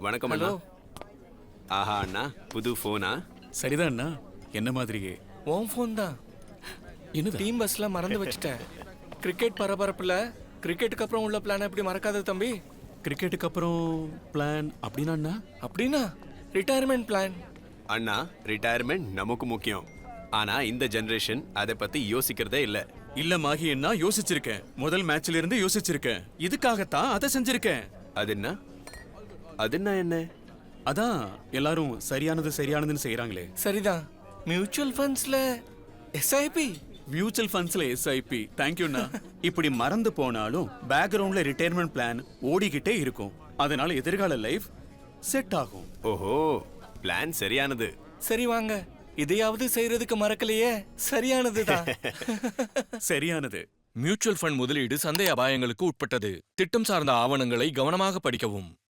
வணக்கம் அண்ணா. ஆஹா அண்ணா, புது போனா? சரிதான் அண்ணா, என்ன மாதிரியே. உன் ஃபோன் தான். என்னது? டீம் பஸ்ல மறந்து வச்சுட்டேன். கிரிக்கெட் பரபரப்புல கிரிக்கெட்டுக்கு அப்புறம் உள்ள பிளான் எப்படி மறக்காத தம்பி? கிரிக்கெட்டுக்கு அப்புறம் பிளான் அப்படின்னா அண்ணா? அப்படின்னா ரிட்டையர்மெண்ட் பிளான். அண்ணா, ரிட்டையர்மெண்ட் நமக்கு முக்கியம். ஆனா இந்த ஜெனரேஷன் அதை பத்தி யோசிக்கிறதே இல்ல. இல்ல மாகி அண்ணா, யோசிச்சிருக்கேன். முதல் மேட்ச்ல இருந்து யோசிச்சிருக்கேன். இதுக்காகத்தான் அதை செஞ்சிருக்கேன். அது என்ன? அதான் எல்லாரும் சரியானதுன்னு செய்யறாங்களே. சரிதான். மியூச்சுவல் ஃபண்ட்ஸ்ல எஸ்ஐபி. மியூச்சுவல் ஃபண்ட்ஸ்ல எஸ்ஐபி. தேங்க்யூண்ணா. இப்படி மறந்து போனாலும் பேக்ரவுண்ட்ல ரிட்டையர்மெண்ட் பிளான் ஓடிக்கிட்டே இருக்கும். அதனால எதிர்கால லைஃப் செட் ஆகும். ஓஹோ, பிளான் சரியானது. சரி வாங்க, இதையாவது செய்யறதுக்கு மறக்கலையே. சரியானதுதான். சரியானது. மியூச்சுவல் ஃபண்ட் முதலீடு சந்தை அபாயங்களுக்கு உட்பட்டது. திட்டம் சார்ந்த ஆவணங்களை கவனமாக படிக்கவும்.